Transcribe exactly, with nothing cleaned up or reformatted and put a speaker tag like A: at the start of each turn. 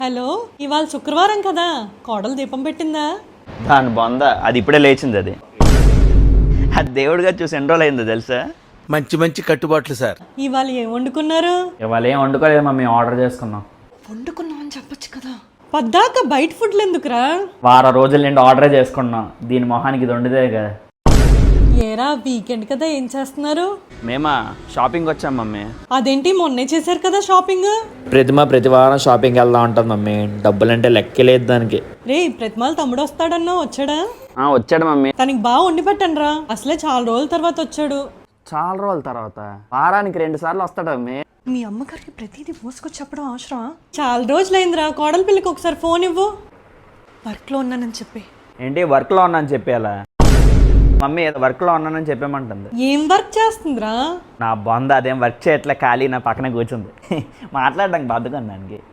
A: Hello, ఇవాళ శుక్రవారం కదా, కోడలు దీపం పెట్టిందా?
B: దాని బొంద, అది ఇప్పుడే లేచింది. అది అది దేవుడిగా చూసి ఎన్ని రోజులు అయిందో తెలుసా?
C: మంచి మంచి కట్టుబాట్లు సార్.
A: ఇవాళ ఏం వండుకున్నారు?
D: ఇవాళ ఏం వండుకోలేదు మమ్మీ, ఆర్డర్ చేసుకున్నాం.
A: వండుకున్నాం అని చెప్పొచ్చు కదా. పద్దాక బయట ఫుడ్లు ఎందుకురా?
D: వారం రోజుల నుండి ఆర్డరే చేసుకున్నాం. దీని మొహానికి ఇది వండితే కదా.
A: ఏరా, వీకెండ్ కదా, ఏం చేస్తున్నారు?
B: మేమా షాపింగ్ వచ్చాం మమ్మీ.
A: అదేంటి, మొన్నే చేశారు కదా షాపింగ్?
D: ప్రతిమ ప్రతి వారం షాపింగ్కి వెళ్దా ఉంటుంది మమ్మీ. డబ్బులంటే లెక్కే లేదు దానికి.
A: రే, ప్రతిమాల తమ్ముడు వస్తాడన్నా, వచ్చాడా?
B: ఆ వచ్చాడు మమ్మీ.
A: తనకి బాగా వండి పెట్టండి రా, అసలే చాలా రోజుల తర్వాత వచ్చాడు.
B: చాలా రోజుల తర్వాత వారానికి రెండు సార్లు వస్తాడు మమ్మీ.
A: మీ అమ్మగారికి ప్రతిదీ మోసుకొచ్చి చెప్పడం అవసరమా? చాలా రోజులైందిరా, కోడల పిల్లకి ఒకసారి ఫోన్ ఇవ్వు. వర్క్లో ఉన్నానని చెప్పి.
B: ఏంటి వర్క్లో ఉన్నానని చెప్పేలా? మమ్మీ ఏదో వర్క్లో ఉన్నానని చెప్పేమంటుంది.
A: ఏం వర్క్ చేస్తుందిరా?
B: నా బొంద అదేం వర్క్ చేయట్లే, ఖాళీ నా పక్కనే కూర్చుంది. మాట్లాడడానికి బద్దకం దానికి.